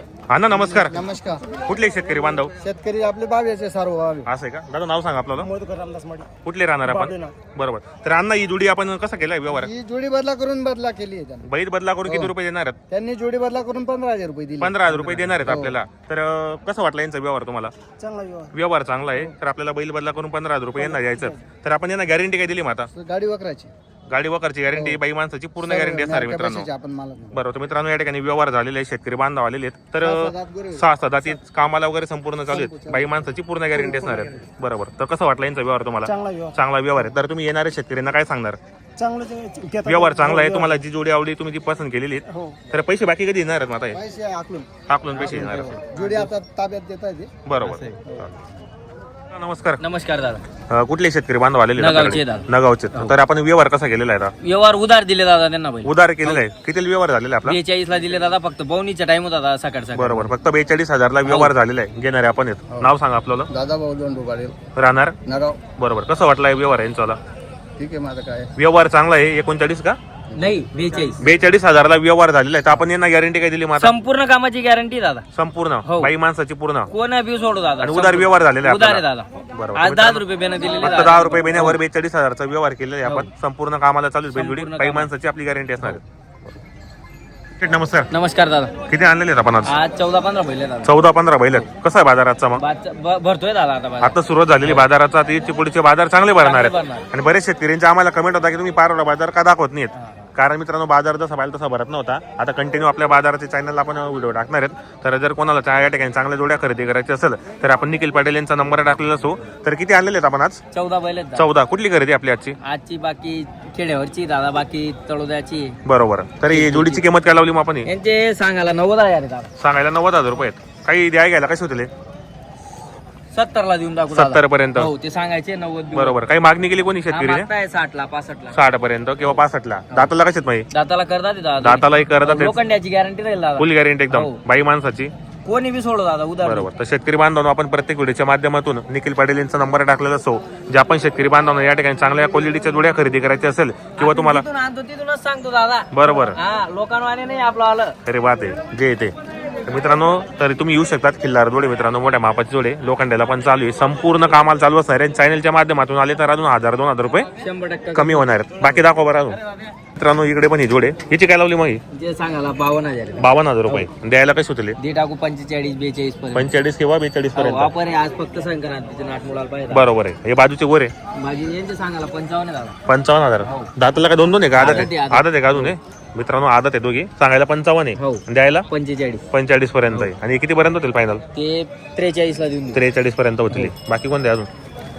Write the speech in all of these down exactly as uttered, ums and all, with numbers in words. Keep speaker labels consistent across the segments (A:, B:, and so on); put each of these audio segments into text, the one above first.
A: अण्णा नमस्कार.
B: नमस्कार.
A: कुठले शेतकरी बांधव?
B: शेतकरी आपले बावीचे सर्व बावी.
A: असं आहे का दादा? नाव सांगा आपल्याला.
B: मधुकर रामदास माडी.
A: कुठले राहणार आपण? बरोबर. तर अण्णा ही जोडी आपण कसा केलाय व्यवहार?
B: ही जोडी बदला करून बदला केली आहे त्यांनी.
A: बैल बदला करून किती रुपये देणार आहेत?
B: त्यांनी जोडी बदला करून पंधरा हजार रुपये दिले.
A: पंधरा हजार रुपये देणार आहेत आपल्याला. तर अं, कसं वाटलं यांचा व्यवहार तुम्हाला?
B: चांगला व्यवहार.
A: व्यवहार चांगला आहे. तर आपल्याला बैल बदला करून पंधरा हजार रुपये यांना द्यायचं. तर आपण यांना गॅरंटी काय दिली मग आता?
B: गाडी वकराची
A: गाडी वकरची गॅरंटी, बाई माणसाची पूर्ण गॅरंटी असणार आहे मित्रांनो.
B: आपण मला
A: बरोबर. तर मित्रांनो या ठिकाणी व्यवहार झालेले आहे, शेतकरी बांधव आलेले आहेत. तर सहा सहा ती कामाला वगैरे संपूर्ण चालू आहेत. बाई माणसाची पूर्ण गॅरंटी असणार आहे. बरोबर. तर कसं वाटलं यांचा व्यवहार तुम्हाला?
B: चांगला व्यवहार.
A: चांगला व्यवहार आहे. तर तुम्ही येणाऱ्या शेतकऱ्यांना काय सांगणार?
B: चांगलं
A: व्यवहार चांगला आहे. तुम्हाला जी जोडी आवडली तुम्ही ती पसंत केलेली आहे.
B: हो.
A: तर पैसे बाकी कधी येणार आहेत मग आता?
B: पैसे आकलून
A: टाकलून पैसे येणार आहेत.
B: जोडी आता ताब्यात देता येते.
A: बरोबर. नमस्कार.
C: नमस्कार दादा.
A: अं, कुठले शेतकरी बांधव आलेले आहेत
C: नगावचे
A: आपल्याकडे?
C: दादा.
A: नगावचे. तर आपण व्यवहार कसा केलेला आहे आता?
C: व्यवहार उधार दिले दादा त्यांना बैल
A: उधार केलेला आहे. किती व्यवहार झालेला आहे आपला?
C: बेचाळीस ला दिले दादा. फक्त बवणीचा टाइम होता दादा सकाळ सकाळ.
A: बरोबर. फक्त बेचाळीस हजारला व्यवहार झालेला आहे. घेणारे आपण आहेत. नाव सांगा आपल्याला.
B: दादा भाऊ दोन रुपये
A: राहणार.
B: नगाव.
A: बरोबर. कसं वाटलं व्यवहार यांचा?
B: ठीक आहे. माझं काय
A: व्यवहार चांगला आहे. एकोणचाळीस का
C: नाही बेचाळीस
A: बेचाळीस हजारला व्यवहार झालेला आहे. तर आपण यांना गॅरंटी काय दिली मग आता?
C: संपूर्ण कामाची गॅरंटी दादा.
A: संपूर्ण
C: हो.
A: बाई माणसाची पूर्ण
C: कोण बी सोडू दादा.
A: आणि उधार व्यवहार झालेला आहे
C: उधार आहे
A: आपल्याला.
C: दादा.
A: बरोबर.
C: आज दहा रुपये बेन दिलेले
A: फक्त
C: दादा.
A: दहा रुपये महिन्यावर बेचाळीस हजारचा व्यवहार केलेला आहे आपण. संपूर्ण कामाला चालू आहे. बैलजोडी
C: संपूर्ण
A: बाई
C: कामाला.
A: माणसाची आपली गॅरंटी असणार आहे. नमस्कार.
C: नमस्कार दादा.
A: किती आणलेले आहेत आपण आज?
C: आज चौदा पंधरा बैल आहे दादा.
A: चौदा पंधरा बैल आहेत. कसा आहे बाजाराचा मग?
C: बादचा- ब- भरतोय दादा आता बाजार.
A: आता सुरुवात झालेली बाजाराचा. ती पुढचे बाजार चांगले भरणार आहेत.
C: भरणार.
A: आणि बरेच शेतकऱ्यांचे आम्हाला कमेंट होता की तुम्ही पारोडा बाजार का दाखवत नाहीत. कारण मित्रांनो बाजार जसा पाहिजे तसा भरत नव्हता. आता कंटिन्यू आपल्या बाजाराच्या चॅनलला आपण व्हिडिओ टाकणार आहेत. तर जर कोणाला त्या या ठिकाणी चांगल्या जोड्या खरेदी करायची असेल तर आपण निखिल पाटील यांचा नंबर टाकलेला असो. तर किती आणलेले आहेत आपण आज?
C: चौदा बैल आहेत दादा.
A: चौदा. कुठली खरेदी आपली आजची?
C: आजची बाकी खेड्यावरची दादा, बाकी तळोद्याची.
A: बरोबर. तर ही जोडीची किंमत काय लावली मग आपण?
C: यांचे सांगायला नव्वद हजार आहे दादा.
A: सांगायला नव्वद हजार रुपये आहेत. काही द्याय घ्यायला कसे होते?
C: सत्तर ला देऊन टाकू दादा.
A: सत्तर पर्यंत.
C: हो ते सांगायचे नव्वद देऊ.
A: बरोबर. काही मागणी केली कोणी
C: हा,
A: शेतकरीने?
C: मागताय साठ ला पासष्ट ला.
A: साठ पर्यंत किंवा पासष्ट ला. दाताला कशात माहिती?
C: दाताला करतात ते दादा.
A: दातालाही करतात.
C: लोखंडाची गॅरंटी राहील दादा.
A: फुल गॅरंटी एकदम
C: हो.
A: बाई माणसाची.
C: कोणी बी सोडो दादा उधार.
A: बरोबर. तर शेतकरी बांधवांनो आपण प्रत्येक व्हिडिओच्या माध्यमातून निखिल पाटील यांचा नंबर टाकलेला असो. जे आपण शेतकरी बांधवांना या ठिकाणी चांगल्या क्वालिटीच्या जोड्या खरेदी करायची असेल किंवा तुम्हाला
C: तिथून आणतो तिथूनच सांगतो दादा.
A: बरोबर.
C: हा लोकांवाने नाही आपलं आलं.
A: अरे बात आहे जे येते. तर मित्रांनो तर तुम्ही येऊ शकतात. खिल्लार जोडे मित्रांनो, मोठ्या मापाचे जोडे लोखंडाला पण चालू आहे. संपूर्ण कामाला चालू असणार आहे. चॅनलच्या माध्यमातून आले तर अजून हजार दोन हजार रुपये
C: शंभर टक्के
A: कमी होणार आहेत. बाकी दाखवा बरं अजून. मित्रांनो इकडे पण ही जोडे. याची काय लावली मग? ही
C: जे सांगायला बावन्न हजार आहे.
A: बावन्न हजार रुपये. द्यायला कसे होते?
C: दे टाकू पंचेचाळीस बेचाळीस पर्यंत.
A: पंचेचाळीस किंवा बेचाळीस पर्यंत.
C: वापर आहे आज फक्त संक्रांतीचे नाट मुलाला पाहिजे.
A: बरोबर आहे. हे बाजूचे वर आहे.
C: माझी यांचे सांगायला पंचावन्न आहे दादा.
A: पंचावन्न हजार. दाताला काय दोन दोन आहे का? आदत
C: आदत आहे,
A: आहे.
C: आदत.
A: आदत आहे का अजून? आहे मित्रांनो आदत आहे दोघी. सांगायला पंचावन्न आहे.
C: हो.
A: द्यायला
C: पंचेचाळीस.
A: पंचेचाळीस पर्यंत आहे. आणि किती पर्यंत होतील फायनल?
C: ते त्रेचाळीस ला देऊन देऊ.
A: त्रेचाळीस पर्यंत होतील. बाकी कोणते अजून?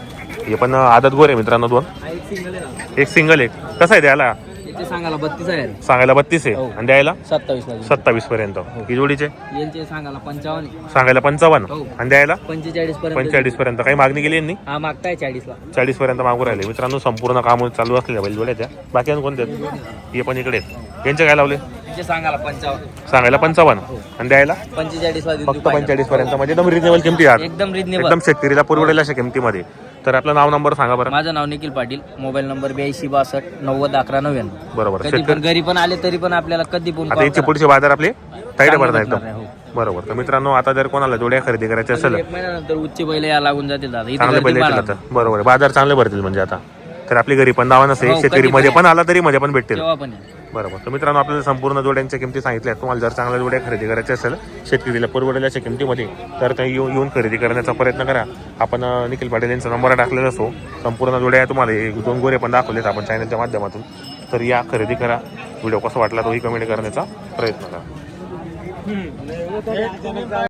A: हे पण आदत गोर आहे मित्रांनो दोन.
C: हा, एक सिंगल आहे दादा.
A: एक सिंगल एक. कसं आहे द्यायला?
C: याचे सांगायला बत्तीस हजार आहे.
A: सांगायला बत्तीस आहे.
C: हो.
A: आणि द्यायला
C: सत्तावीस ला देऊन
A: सत्तावीस पर्यंत. ही जोडीचे
C: यांचे सांगायला पंचावन्न आहे.
A: सांगायला पंचावन्न
C: हो.
A: आणि द्यायला
C: पंचेचाळीस पर्यंत.
A: पंचेचाळीस पर्यंत. काही मागणी केली यांनी?
C: हा मागताय चाळीस ला.
A: चाळीस पर्यंत मागू राहिले मित्रांनो. संपूर्ण काम चालू असलेल्या बैलजोड्या त्या. बाकी अजून कोणते आहेत? हे पण इकडे आहेत. यांचे काय लावले?
C: यांचे सांगायला पंचावन्न.
A: सांगायला पंचावन्न आणि द्यायला
C: पंचेचाळीस ला देऊन
A: फक्त
C: देऊ.
A: पंचेचाळीस पर्यंत. म्हणजे एकदम रिजनेबल किमती आहेत.
C: एकदम रिजनेबल.
A: एकदम शेतकरीला पुरवडेल अशा किमतीमध्ये. तर आपलं नाव नंबर सांगा बरं.
C: माझं नाव निखिल पाटील. मोबाईल नंबर ब्याऐंशी बासष्ट नव्वद अकरा नव्याण्णव.
A: बरोबर.
C: कधी पण घरी पण आले तरी पण आपल्याला कधी पण
A: आता
C: call
A: यांचे
C: करा.
A: पुढचे बाजार आपले ताईट
C: चांगले
A: भरणार
C: भेटणार
A: एकदम.
C: आहे, हो.
A: बरोबर. तर मित्रांनो आता जर कोणाला जोड्या खरेदी करायच्या असेल
C: एक महिन्यानंतर उच्च बैल या लागून जातील दादा. इथे
A: चांगले
C: गर्दी
A: पहिले
C: फार
A: येतील
C: आहे.
A: आता. बरोबर. बाजार चांगले भरतील म्हणजे आता. तर आपली घरी पण नावा नसेल.
C: हो, कधी
A: शेतकरी
C: पण
A: मध्ये
C: या.
A: पण आला तरी मध्ये पण भेटतील.
C: तेव्हा पण आहे.
A: बरोबर. तर मित्रांनो आपल्याला संपूर्ण जोड्यांच्या किमती सांगितल्या. तुम्हाला जर चांगल्या जोड्या खरेदी करायच्या असेल शेतकरीला परवडल्याच्या किमतीमध्ये तर ते येऊन येऊन खरेदी करण्याचा प्रयत्न करा. आपण अं, निखिल पाटील यांचा नंबर टाकलेला असो. संपूर्ण जोड्या तुम्हाला हे दोन गोरे पण दाखवलेत आपण चॅनलच्या माध्यमातून. तर या खरेदी करा. व्हिडिओ कसा वाटला तोही कमेंट करण्याचा प्रयत्न करा.